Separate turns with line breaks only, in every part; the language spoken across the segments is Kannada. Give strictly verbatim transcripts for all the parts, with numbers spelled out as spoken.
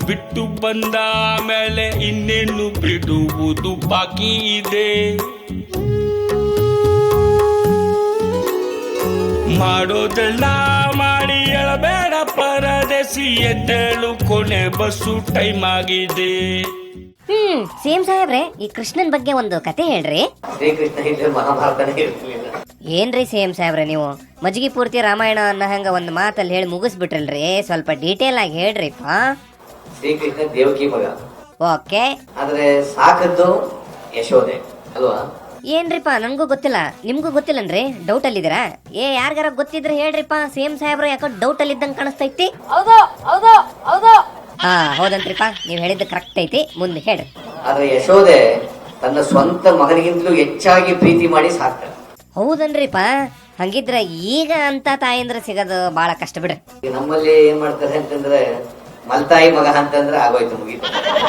ಬಿಟ್ಟು ಬಂದ ಮೇಲೆ ಇನ್ನೇನು ಬಿಡುವುದು ಬಾಕಿ ಇದೆ. ಮಾಡೋದೆಲ್ಲ ಮಾಡಿ ಎಳಬೇಡ ಪರದೇಸಿ, ಎದ್ದೇಳು ಕೊನೆ ಬಸ್ಸು ಟೈಮ್ ಆಗಿದೆ.
ಹ್ಮ್ ಸೇಮ್ ಸಾಹೇಬ್ರೆ, ಈ ಕೃಷ್ಣನ್ ಬಗ್ಗೆ ಒಂದು ಕತೆ ಹೇಳ್ರಿ.
ಶ್ರೀಕೃಷ್ಣ ಇದ್ರೆ ಮಹಾಭಾರತನೇ ಇರ್ಲಿಲ್ಲ.
ಏನ್ರಿ ಸೇಮ್ ಸಾಹೇಬ್ರೆ, ನೀವು ಮಜ್ಗಿ ಪೂರ್ತಿ ರಾಮಾಯಣ ಅನ್ನೋ ಹಂಗ ಒಂದ್ ಮಾತಲ್ಲಿ ಹೇಳಿ ಮುಗಿಸ್ಬಿಟ್ರಲ್ರಿ. ಸ್ವಲ್ಪ ಡೀಟೇಲ್ ಆಗಿ ಹೇಳ್ರಿಪ್ಪ.
ಶ್ರೀಕೃಷ್ಣ ದೇವಕಿ ಮಗ.
ಓಕೆ.
ಆದ್ರೆ ಸಾಕದ್ದು ಯಶೋದೆ ಅಲ್ವಾ?
ಏನ್ರಿಪ್ಪ, ನನ್ಗೂ ಗೊತ್ತಿಲ್ಲ, ನಿಮ್ಗೂ ಗೊತ್ತಿಲ್ಲನ್ರಿ? ಡೌಟ್ ಅಲ್ಲಿದ್ದೀರಾ? ಏ ಯಾರಿಗಾರ ಗೊತ್ತಿದ್ರೆ ಹೇಳ್ರಿಪ್ಪ. ಸೇಮ್ ಸಾಹೇಬ್ರ ಯಾಕೋ ಡೌಟ್ ಅಲ್ಲಿ ಇದ್ದಂಗೆ ಕಾಣಿಸ್ತೈತಿ. ಹಾ ಹೌದಂತ್ರಿಪ್ಪ, ನೀವ್ ಹೇಳಿದ್ದು ಕರೆಕ್ಟ್ ಐತಿ. ಮುಂದೆ ಹೇಳ್ರಿ.
ಆದ್ರೆ ಯಶೋದೆ ತನ್ನ ಸ್ವಂತ ಮಗನಿಗಿಂತಲೂ ಹೆಚ್ಚಾಗಿ ಪ್ರೀತಿ ಮಾಡಿ ಸಾಕ್ತಾಳೆ.
ಹೌದನ್ರಿಪ್ಪ. ಹಂಗಿದ್ರ ಈಗ ಅಂತ ತಾಯಿಂದ್ರ ಸಿಗೋದು ಬಹಳ ಕಷ್ಟ ಬಿಡ್ರಿ.
ನಮ್ಮಲ್ಲಿ ಏನ್ ಮಾಡ್ತಾರೆ ಅಂತಂದ್ರೆ ಮಲ್ತಾಯಿ ಮಗ ಅಂತಂದ್ರೆ ಆಗೋಯ್ತು, ಮುಗೀತು.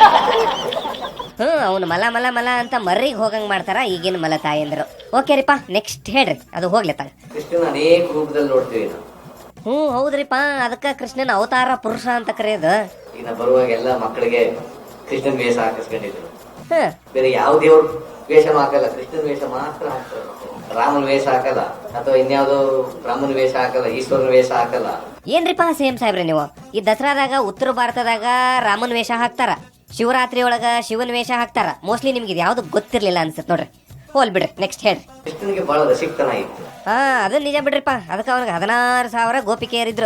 ಹ್ಮ್ ಅವ್ನು ಮಲ ಮಲ ಮಲ ಅಂತ ಮರ್ರಿಗೆ ಹೋಗಂಗ್ ಮಾಡ್ತಾರ ಈಗಿನ ಮಲ ತಾಯಂದ್ರು. ಓಕೆ ರೀಪಾ, ನೆಕ್ಸ್ಟ್ ಹೇಳ್ರಿ. ಅದು ಹೋಗ್ಲತ್ತಾಗ
ಕೃಷ್ಣನ ಅನೇಕ ರೂಪದಲ್ಲಿ ನೋಡ್ತೀವಿ ನಾವು.
ಹ್ಮ್ ಹೌದ್ರಿಪ್ಪ, ಅದಕ್ಕ ಕೃಷ್ಣನ ಅವತಾರ ಪುರುಷ ಅಂತ ಕರೆಯೋದು.
ಈಗ ಬರುವಾಗ ಎಲ್ಲ ಮಕ್ಕಳಿಗೆ ಕೃಷ್ಣನ್ ವೇಷ ಹಾಕಿಸ್ಕೊಂಡಿದ್ರು.
ಹ್ಮ್
ಬೇರೆ ಯಾವ ದೇವ್ರ ವೇಷನೂ ಹಾಕಲ್ಲ, ಕೃಷ್ಣನ್ ವೇಷ ಮಾತ್ರ ಹಾಕ್ತಾರೆ. ರಾಮನ ವೇಷ ಹಾಕಲ್ಲ, ಅಥವಾ ಇನ್ಯಾವುದೋ ಬ್ರಾಹ್ಮಣ ವೇಷ ಹಾಕಲ್ಲ, ಈಶ್ವರನ ವೇಷ ಹಾಕಲ್ಲ.
ಏನ್ರಿಪಾ ಸೇಮ್ ಸಾಹೇಬ್ರೆ, ನೀವು ಈ ದಸರಾದಾಗ ಉತ್ತರ ಭಾರತದಾಗ ರಾಮನ್ ವೇಷ ಹಾಕ್ತಾರ, ಶಿವರಾತ್ರಿ ಒಳಗ ಶಿವನ್ ವೇಷ ಹಾಕ್ತಾರ. ಮೋಸ್ಟ್ಲಿ ನಿಮ್ಗೆ ಇದು ಯಾವ್ದು ಗೊತ್ತಿರ್ಲಿಲ್ಲ ಅನ್ಸುತ್ತೆ ನೋಡ್ರಿ. ಹೋಲ್ ಬಿಡ್ರಿ, ನೆಕ್ಸ್ಟ್ ಹೇಳ್ರಿ.
ಕೃಷ್ಣನಿಗೆ ಬಹಳ ರಸಿಕ್ತನ ಇತ್ತು.
ಹಾ ಅದು ನಿಜ ಬಿಡ್ರಿಪ್ಪ. ಅದಕ್ಕೆ ಅವ್ನಿಗೆ ಹದಿನಾರು ಸಾವಿರ ಗೋಪಿಕೆಯರಿದ್ರು.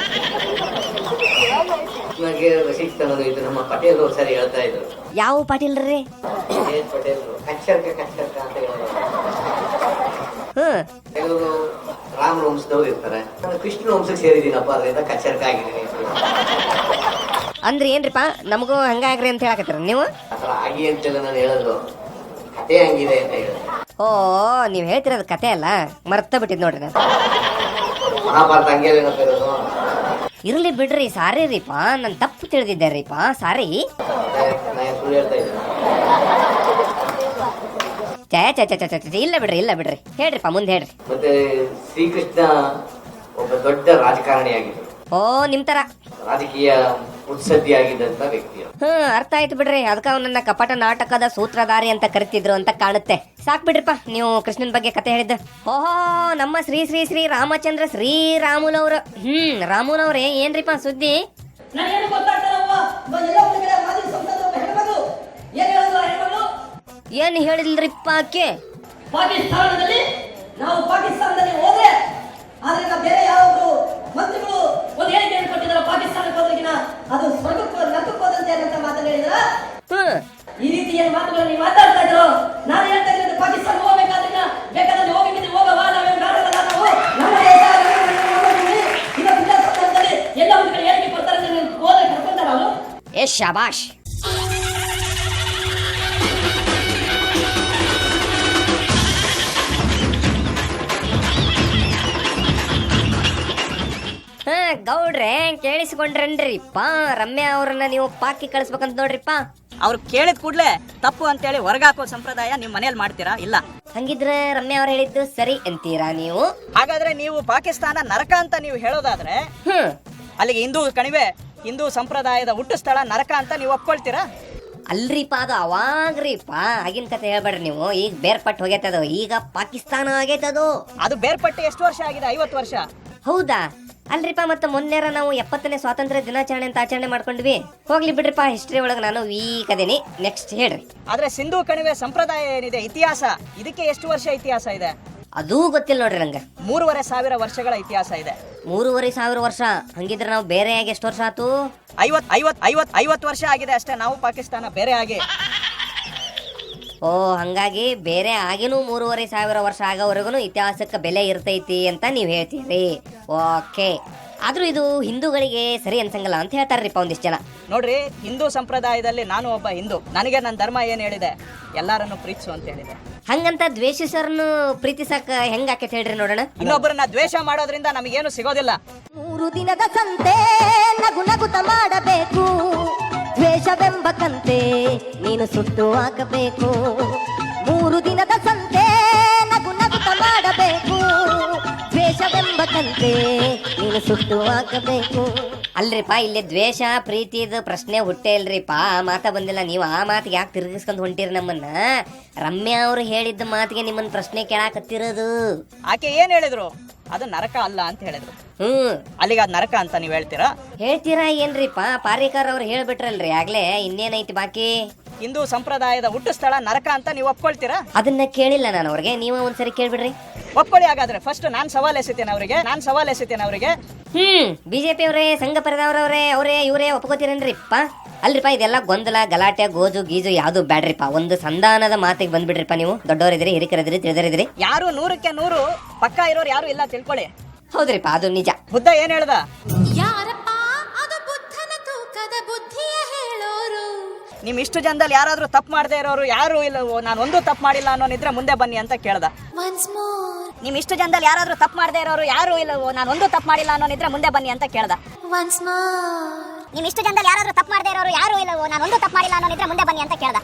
ಕೃಷ್ಣನಿಗೆ ರಸಿಕ್ತನ ಇತ್ತು. ನಮ್ಮ ಪಟೇಲ್ ಸರಿ ಹೇಳ್ತಾ ಇದ್ರು.
ಯಾವ ಪಾಟೀಲ್ರಿ?
ಪಟೇಲ್ ಕಚ್ಚರ್ಕ ಕಚ್ಚರ್ಕ ಅಂತ ಹೇಳೋದು.
ಹ್ಮ್
ಕೆಲವರು ರಾಮ ವಂಶದವ್ರು ಇರ್ತಾರೆ, ಕೃಷ್ಣ ವಂಶಕ್ಕೆ ಸೇರಿದೀನಪ್ಪ, ಅದರಿಂದ ಕಚ್ಚರ್ಕ ಆಗಿದ್ದೀನಿ
ಅಂದ್ರೆ ಏನ್ರಿಪಾ, ನಮಗೂ ಹಂಗಾಗ್ರಿ ಅಂತ ಹೇಳಕತ್ತೀರ ನೀವು?
ಆತರ ಆಗಿ ಅಂತೆಲ್ಲ ನಾನು ಹೇಳೋದು, ಕತೆ ಹಂಗಿದೆ ಅಂತ ಹೇಳಿದೆ.
ಓ ನೀವ್ ಹೇಳ್ತಿರೋದು ಕತೆ ಅಲ್ಲ, ಮರ್ತ ಬಿಟ್ಟಿದ್ ನೋಡ್ರಿ ನಾನು.
ಮಹಾಭಾರತ ಹಂಗೆ ಏನಪ್ಪ ಇರೋದು.
ಇರ್ಲಿ ಬಿಡ್ರಿ, ಸಾರಿ ರೀಪಾ, ನಾನು ತಪ್ಪು ತಿಳಿದಿದ್ದೆ ರೀಪಾ, ಸಾರಿ.
ನಾನು ಸುಳ್ಳು ಹೇಳ್ತಾ ಇದ್ದೆ.
ಚೇ ಚೇ ಚೇ ಚೇ ಚೇ ಇಲ್ಲ ಬಿಡ್ರಿ, ಇಲ್ಲ ಬಿಡ್ರಿ, ಹೇಳ್ರಿಪ್ಪ, ಮುಂದೆ ಹೇಳ್ರಿ.
ಮತ್ತೆ ಶ್ರೀಕೃಷ್ಣ ಒಬ್ಬ ದೊಡ್ಡ ರಾಜಕಾರಣಿಯಾಗಿದ್ದರು.
ಓ ನಿಮ್ ತರ
ರಾಜಕೀಯ ಉತ್ಸದ್ದಿಯಾಗಿದ್ದಂತ ವ್ಯಕ್ತಿ.
ಹ್ಮ್ ಅರ್ಥ ಆಯ್ತು ಬಿಡ್ರಿ. ಅದಕ್ಕ ಅವನನ್ನ ಕಪಟ ನಾಟಕದ ಸೂತ್ರಧಾರಿ ಅಂತ ಕರಿತಿದ್ರು ಅಂತ ಕಾಣುತ್ತೆ. ಸಾಕ್ ಬಿಡ್ರಿಪ್ಪ, ನೀವು ಕೃಷ್ಣನ್ ಬಗ್ಗೆ ಕತೆ ಹೇಳಿದ್ದ. ಓಹೋ, ನಮ್ಮ ಶ್ರೀ ಶ್ರೀ ಶ್ರೀ ರಾಮಚಂದ್ರ ಶ್ರೀರಾಮುಲವ್ರ. ಹ್ಮ್ ರಾಮುಲವ್ರೆ, ಏನ್ರಿಪ್ಪ ಸುದ್ದಿ? ಏನ್ ಹೇಳಿಲ್ರಿಪ್ಪ ಆಕೆ?
ಪಾಕಿಸ್ತಾನದಲ್ಲಿ ನಾವು ಪಾಕಿಸ್ತಾನದಲ್ಲಿ ಹೋದ್ರೆ ಆದ್ರಿಂದ ಬೇರೆ ಯಾರೊಬ್ರು ಮಂತ್ರಿಗಳು ಒಂದು ಹೇಳಿಕೆಯನ್ನು ಕೊಟ್ಟಿದ್ದಾರೆ, ಪಾಕಿಸ್ತಾನಕ್ಕೆ ಹೋದ್ರಿಗಿನ ಅದು ಸ್ವರ್ಗಕ್ಕೆ ನರಕಕ್ಕೆ ಹೋದಂತೆ ಅಂತ ಮಾತನ್ನ ಹೇಳಿದ್ರ. ಈ ರೀತಿ ಏನ್ ಮಾತುಗಳನ್ನು ನೀವು ಮಾತಾಡ್ತಾ ಇದ್ರು. ನಾನು ಹೇಳ್ತಾ ಇದ್ದೀನಿ, ಪಾಕಿಸ್ತಾನ ಹೋಗ್ಬೇಕಾದ್ರೆ ಬೇಕಾದ್ರೆ ಹೋಗಿದ್ದೀನಿ, ಹೋಗವಾ, ನಾವೇನು ನಾಡಲ್ಲ, ನಾವು ನಮ್ಮ ದೇಶ ಈಗ ವಿಧಾನಸೌಧದಲ್ಲಿ ಎಲ್ಲ ಒಂದು ಕಡೆ ಹೇಳಿಕೆ ಕೊಡ್ತಾರೆ, ನೀವು ಹೋದ್ರೆ ಕರ್ಕೊಂತಾರ ಅವರು.
ಏ ಶಾಬಾಷ್. ಹಾ ಗೌಡ್ರೆ, ಕೇಳಿಸ್ಕೊಂಡ್ರನ್ರಿಪ್ಪ? ರಮ್ಯಾ ಅವ್ರನ್ನ ನೀವು ಪಾಕಿ ಕಳಿಸ್ಬೇಕಂತ ನೋಡ್ರಿಪ್ಪ.
ಅವ್ರು ಕೇಳಿದ ಕೂಡ್ಲೆ ತಪ್ಪು ಅಂತೇಳಿ ಹೊರಗಾಕೋ ಸಂಪ್ರದಾಯ ನಿಮ್ ಮನೇಲಿ ಮಾಡ್ತೀರಾ? ಇಲ್ಲ.
ಹಂಗಿದ್ರೆ ರಮ್ಯಾ ಅವ್ರು ಹೇಳಿದ್ದು ಸರಿ ಅಂತೀರಾ ನೀವು?
ಹಾಗಾದ್ರೆ ನೀವು ಪಾಕಿಸ್ತಾನ ನರಕ ಅಂತ ನೀವು ಹೇಳೋದಾದ್ರೆ
ಹ್ಮ್
ಅಲ್ಲಿಗೆ ಹಿಂದೂ ಕಣಿವೆ, ಹಿಂದೂ ಸಂಪ್ರದಾಯದ ಹುಟ್ಟು ಸ್ಥಳ ನರಕ ಅಂತ ನೀವು ಒಪ್ಕೊಳ್ತೀರಾ?
ಅಲ್ರಿಪ್ಪ, ಅದು ಅವಾಗ್ರಿಪ್ಪ, ಆಗಿನ ಕತೆ ಹೇಳ್ಬೇಡ್ರಿ ನೀವು. ಈಗ ಬೇರ್ಪಟ್ಟು ಹೋಗೈತದು, ಈಗ ಪಾಕಿಸ್ತಾನ ಆಗೈತದು.
ಅದು ಬೇರ್ಪಟ್ಟು ಎಷ್ಟು ವರ್ಷ ಆಗಿದೆ? ಐವತ್ತು ವರ್ಷ.
ಹೌದಾ? ಅಲ್ರಿಪ್ಪ, ಮತ್ತೆ ಮೊನ್ನೆರ ನಾವು ಎಪ್ಪತ್ತನೇ ಸ್ವಾತಂತ್ರ್ಯ ದಿನಾಚರಣೆ ಅಂತ ಆಚರಣೆ ಮಾಡ್ಕೊಂಡ್ವಿ. ಹೋಗ್ಲಿ ಬಿಡ್ರಿಪ್ಪ, ಹಿಸ್ಟ್ರಿ ಒಳಗೆ ನಾನು ವೀಕ್ ಅದೇನಿ. ನೆಕ್ಸ್ಟ್ ಹೇಳ್ರಿ.
ಆದ್ರೆ ಸಿಂಧೂ ಕಣಿವೆ ಸಂಪ್ರದಾಯ ಏನಿದೆ, ಇತಿಹಾಸ, ಇದಕ್ಕೆ ಎಷ್ಟು ವರ್ಷ ಇತಿಹಾಸ ಇದೆ?
ಅದೂ ಗೊತ್ತಿಲ್ಲ ನೋಡ್ರಿ ನಂಗೆ.
ಮೂರುವರೆ ಸಾವಿರ ವರ್ಷಗಳ ಇತಿಹಾಸ ಇದೆ.
ಮೂರುವರೆ ಸಾವಿರ ವರ್ಷ? ಹಂಗಿದ್ರೆ ನಾವು ಬೇರೆ ಆಗಿ ಎಷ್ಟು ವರ್ಷ ಆತು?
ಐವತ್ ಐವತ್ ಐವತ್ ಐವತ್ ವರ್ಷ ಆಗಿದೆ ಅಷ್ಟೇ ನಾವು ಪಾಕಿಸ್ತಾನ ಬೇರೆ ಆಗಿ.
ಓ ಹಂಗಾಗಿ ಬೇರೆ ಆಗಿನೂ ಮೂರುವರೆ ಸಾವಿರ ವರ್ಷ ಆಗೋವರೆಗೂ ಇತಿಹಾಸಕ್ಕೆ ಬೆಲೆ ಇರ್ತೈತಿ ಅಂತ ನೀವು ಹೇಳ್ತೀರಿ. ಓಕೆ, ಆದ್ರೂ ಇದು ಹಿಂದೂಗಳಿಗೆ ಸರಿ ಅನ್ಸಂಗಲ್ಲ ಅಂತ ಹೇಳ್ತಾರ್ರಿಪ್ಪ ಒಂದಿಷ್ಟು ಜನ.
ನೋಡ್ರಿ, ಹಿಂದೂ ಸಂಪ್ರದಾಯದಲ್ಲಿ ನಾನು ಒಬ್ಬ ಹಿಂದೂ, ನನಗೆ ನನ್ನ ಧರ್ಮ ಏನ್ ಹೇಳಿದೆ, ಎಲ್ಲಾರನ್ನು ಪ್ರೀತಿಸು ಅಂತ ಹೇಳಿದೆ.
ಹಂಗಂತ ದ್ವೇಷಿಸರನ್ನು ಪ್ರೀತಿಸಕ ಹೆಂಗ ಆಕೈತೆ ಹೇಳ್ರಿ ನೋಡೋಣ.
ಇನ್ನೊಬ್ಬರನ್ನ ದ್ವೇಷ ಮಾಡೋದ್ರಿಂದ ನಮಗೇನು ಸಿಗೋದಿಲ್ಲ.
ಮೂರು ದಿನದ ಸಂತೆ ನಗು ನಗುತ ಮಾಡಬೇಕು, ದ್ವೇಷವೆಂಬ ಕಂತೆ ನೀನು ಸುಟ್ಟು ಹಾಕಬೇಕು. ಮೂರು ದಿನದ ಸಂತೆ ನಗು ನಗುತ ಮಾಡಬೇಕು, ದ್ವೇಷವೆಂಬ ಕಂತೆ ನೀನು ಸುಟ್ಟು ಹಾಕಬೇಕು.
ಅಲ್ರಿಪ್ಪ ಇಲ್ಲಿ ದ್ವೇಷ ಪ್ರೀತಿದು ಪ್ರಶ್ನೆ ಹುಟ್ಟೇ ಇಲ್ರಿಪ್ಪ. ಆ ಮಾತ ಬಂದಿಲ್ಲ. ನೀವು ಆ ಮಾತಿಗೆ ಯಾಕೆ ತಿರುಗಿಸ್ಕೊಂಡು ಹೊಂಟಿರಿ ನಮ್ಮನ್ನ? ರಮ್ಯಾ ಅವರು ಹೇಳಿದ್ದ ಮಾತಿಗೆ ನಿಮ್ಮನ್ನ ಪ್ರಶ್ನೆ ಕೇಳಾಕತ್ತಿರೋದು.
ಆಕೆ ಏನ್ ಹೇಳಿದ್ರು? ಅದು ನರಕ ಅಲ್ಲ ಅಂತ ಹೇಳಿದ್ರು.
ಹ್ಮ್
ಅಲ್ಲಿಗೆ ಅದು ನರಕ ಅಂತ ನೀವ್ ಹೇಳ್ತೀರಾ?
ಹೇಳ್ತೀರಾ ಏನ್ರಿಪ್ಪ? ಪಾರಿಕರ್ ಅವ್ರು ಹೇಳ್ಬಿಟ್ರಲ್ರಿ ಆಗ್ಲೇ, ಇನ್ನೇನೈತಿ ಬಾಕಿ?
ಹಿಂದೂ ಸಂಪ್ರದಾಯದ ಹುಟ್ಟು ಸ್ಥಳ ನರಕ ಅಂತ ನೀವು ಒಪ್ಕೊಳ್ತೀರಾ?
ಅದನ್ನ ಕೇಳಿಲ್ಲ ನಾನು ಅವ್ರಿಗೆ, ನೀವು ಒಂದ್ಸರಿ ಕೇಳ್ಬಿಡ್ರಿ.
ಒಪ್ಕೊಳ್ಳಿ ಹಾಗಾದ್ರೆ. ಫಸ್ಟ್ ನಾನ್ ಸವಾಲ್ ಎಸಿತೇನೆ ಅವರಿಗೆ, ನಾನ್ ಸವಾಲ್ ಎಸಿತೇನೆ ಅವರಿಗೆ.
ಹ್ಮ್ ಬಿಜೆಪಿ ಅವರೇ, ಸಂಘ ಪರಿದವರವ್ರೆ, ಅವರೇ ಇವರೇ ಒಪ್ಕೋತೀರೇನ್ರಿಪ್ಪ? ಅಲ್ರಿಪ್ಪ ಇದೆಲ್ಲ ಗೊಂದಲ ಗಲಾಟೆ ಗೋಜು ಗೀಜು ಯಾವ್ದು ಬ್ಯಾಡ್ರಿಪ್ಪ. ಒಂದು ಸಂಧಾನದ ಮಾತಿಗೆ ಬಂದ್ಬಿಡ್ರಿಪ್ಪ. ನೀವು ದೊಡ್ಡವರಿದ್ರಿ, ಹಿರಿಕರಿದ್ರಿ, ತಿಳಿದರಿದ್ರಿ.
ಯಾರು ನೂರಕ್ಕೆ ನೂರು ಪಕ್ಕ ಇರೋರು ಯಾರು ಇಲ್ಲ ತಿಳ್ಕೊಳ್ಳಿ.
ಹೌದ್ರಿಪ್ಪ, ಅದು ನಿಜ.
ಬುದ್ಧ ಏನ್ ಹೇಳ್ದ?
ಯಾರಪ್ಪ ಅದು ಬುದ್ಧನ ತೂಕದ ಬುದ್ಧಿಯ ಹೇಳೋರು.
ನಿಮ್ ಇಷ್ಟು ಜನದಲ್ಲಿ ಯಾರಾದ್ರೂ ತಪ್ಪು ಮಾಡದೇ ಇರೋರು ಯಾರು ಇಲ್ಲ, ನಾನು ಒಂದು ತಪ್ಪು ಮಾಡಿಲ್ಲ ಅನ್ನೋನಿದ್ರೆ ಮುಂದೆ ಬನ್ನಿ ಅಂತ ಕೇಳ್ದ.
Once more,
ನಿಮ್ ಇಷ್ಟು ಜನದಲ್ಲಿ ಯಾರಾದ್ರೂ ತಪ್ಪು ಮಾಡದೇ ಇರೋರು ಯಾರು ಇಲ್ಲ, ನಾನು ಒಂದು ತಪ್ಪು ಮಾಡಿಲ್ಲ ಅನ್ನೋನಿದ್ರೆ ಮುಂದೆ ಬನ್ನಿ ಅಂತ ಕೇಳ್ದ.
once more.
ನಿಮ್ ಇಷ್ಟು ಜನದಲ್ಲಿ ಯಾರಾದ್ರೂ ತಪ್ಪು ಮಾಡದೇ ಇರೋರು ಯಾರು ಇಲ್ಲ, ನಾನು ಒಂದು ತಪ್ಪು ಮಾಡಿಲ್ಲ ಅನ್ನೋನಿದ್ರೆ ಮುಂದೆ ಬನ್ನಿ ಅಂತ ಕೇಳ್ದ.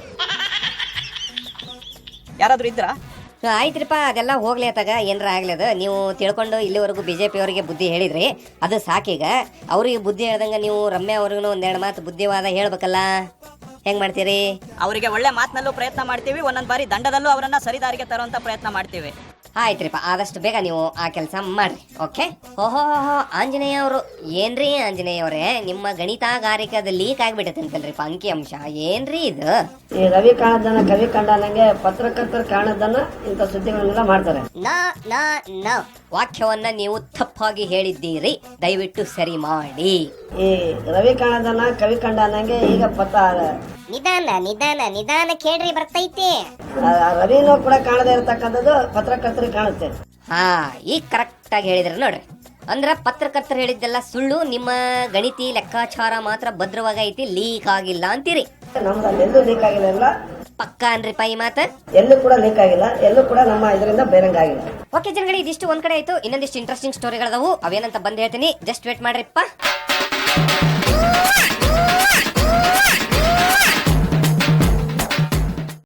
ಯಾರಾದ್ರೂ ಇದ್ರಾ?
ಆಯ್ತ್ರಿಪ್ಪ, ಅದೆಲ್ಲ ಹೋಗ್ಲಿ ಅತ್ತಾಗ, ಏನಾರ ಆಗ್ಲದ. ನೀವು ತಿಳ್ಕೊಂಡು ಇಲ್ಲಿವರೆಗೂ ಬಿಜೆಪಿ ಅವರಿಗೆ ಬುದ್ಧಿ ಹೇಳಿದ್ರಿ, ಅದು ಸಾಕೀಗ. ಅವ್ರಿಗೆ ಬುದ್ಧಿ ಹೇಳ್ದಂಗ ನೀವು ರಮ್ಯಾ ಅವ್ರಿಗೂ ಒಂದೆರಡು ಮಾತು ಬುದ್ಧಿವಾದ ಹೇಳ್ಬೇಕಲ್ಲ. ಹೆಂಗ್ ಮಾಡ್ತೀರಿ?
ಅವರಿಗೆ ಒಳ್ಳೆ ಮಾತಿನಲ್ಲೂ ಪ್ರಯತ್ನ ಮಾಡ್ತೀವಿ, ಒಂದೊಂದ್ ಬಾರಿ ದಂಡದಲ್ಲೂ ಅವರನ್ನ ಸರಿದಾರಿಗೆ ತರುವಂತ ಪ್ರಯತ್ನ ಮಾಡ್ತೀವಿ.
ಆಯ್ತ್ರಿಪ್ಪ, ಆದಷ್ಟು ಬೇಗ ನೀವು ಆ ಕೆಲಸ ಮಾಡ್ರಿ. ಓಕೆ. ಓಹೋ ಆಂಜನೇಯ ಅವರು, ಏನ್ರಿ ಆಂಜನೇಯ ಅವರೇ, ನಿಮ್ಮ ಗಣಿತಗಾರಿಕದ ಲೀಕ್ ಆಗ್ಬಿಟ್ಟೈತೆ ಅಂತಲ್ರಿಪ್ಪ ಅಂಕಿ ಅಂಶ. ಏನ್ರಿ ಇದು?
ಈ ರವಿ ಕಾಣದನ್ನ ಕವಿ ಕಂಡನಂಗೆ ಪತ್ರಕರ್ತರು ಕಾಣದನ್ನ ಇಂಥ ಸುದ್ದಿಗಳನ್ನೆಲ್ಲ ಮಾಡ್ತಾರೆ.
ನಾ ನಾ ನಾ ವಾಕ್ಯವನ್ನ ನೀವು ತಪ್ಪಾಗಿ ಹೇಳಿದ್ದೀರಿ, ದಯವಿಟ್ಟು ಸರಿ ಮಾಡಿ.
ಈ ರವಿ ಕಾಣದನ್ನ ಕವಿ ಕಂಡನಂಗೆ ಈಗ ಪತ್ರ
ನಿಧಾನ ನಿಧಾನ ನಿಧಾನ ಕೇಳ್ರಿ ಬರ್ತೈತಿ.
ಆ ರವಿನೂ ಕೂಡ ಕಾಣದೇ ಇರತಕ್ಕಂಥದ್ದು ಪತ್ರಕರ್ತರಿಗೆ ಕಾಣುತ್ತೆ.
ಹಾ ಈಗ ಕರೆಕ್ಟ್ ಆಗಿ ಹೇಳಿದ್ರಿ ನೋಡ್ರಿ. ಅಂದ್ರ ಪತ್ರಕರ್ತರು ಹೇಳಿದ್ದೆಲ್ಲ ಸುಳ್ಳು, ನಿಮ್ಮ ಗಣಿತಿ ಲೆಕ್ಕಾಚಾರ ಮಾತ್ರ ಭದ್ರವಾಗೈತಿ, ಲೀಕ್ ಆಗಿಲ್ಲ ಅಂತೀರಿ.
ನಮ್ದು ಎಲ್ಲೂ ಲೀಕ್ ಆಗಿಲ್ಲ,
ಪಕ್ಕ ಅನ್ರಿಪ್ಪ ಈ ಮಾತ?
ಎಲ್ಲೂ ಕೂಡ ಲೀಕ್ ಆಗಿಲ್ಲ, ಎಲ್ಲೂ ಕೂಡ ನಮ್ಮ ಇದರಿಂದ ಬೇರಂಗ ಆಗಿಲ್ಲ.
ಓಕೆ ಜನಗಳು, ಇದಿಷ್ಟು ಒಂದ್ ಕಡೆ ಆಯ್ತು. ಇನ್ನೊಂದಿಷ್ಟು ಇಂಟ್ರೆಸ್ಟಿಂಗ್ ಸ್ಟೋರಿಗಳದವು, ಅವೇನಂತ ಬಂದ್ ಹೇಳ್ತೀನಿ. Just wait ಮಾಡ್ರಿಪ್ಪ.